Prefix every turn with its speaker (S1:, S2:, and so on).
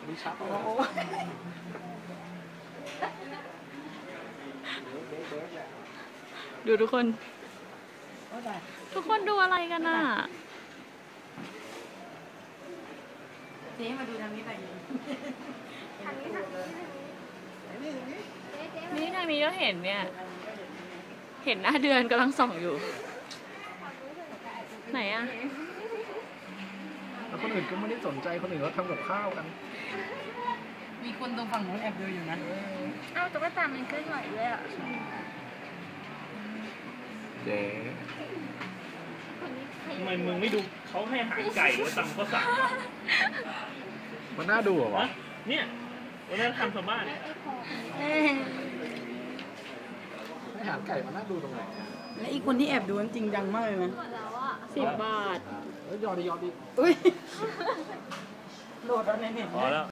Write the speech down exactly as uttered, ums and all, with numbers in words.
S1: มีชักโอ้
S2: ดูทุกคนทุกคนดูอะไรกันน่ะ
S3: เจ๊มาดูทางนี้หน่อยทางนี้ทางนี้
S2: นี่ทางนี้ก็เห็นเนี่ยเห็นหน้าเดือนกำลังส่องอยู่ไหนอะ
S1: แล้วคนอื่นก็ไม่ได้สนใจคนอื่นเขาทำกับข้าวกัน
S3: มีคนตรงฝั่งโน้นแอบดูอยู่นะ
S4: อ้าวตุ๊กตามันเคลื่อนไหวด้วยอ่ะ
S1: เจ๊
S5: ทำไมมึงไม่ดูเขาให้อาหารไก่หรือตำข้าวสาร
S1: มันน่าดูเหรอวะ
S5: เนี่ยวันนั้นทำชาวบ้าน
S1: ให้อาหารไก่มันน่าดูตรงไหน
S3: และอีกคนที่แอบดูนั้นจริงจังมากเลยนะ
S2: สิบบาท
S1: เฮ้ยยอดดียอดดี
S3: อุ้ยโหลดแล้วในเน็ต
S5: พอแล้ว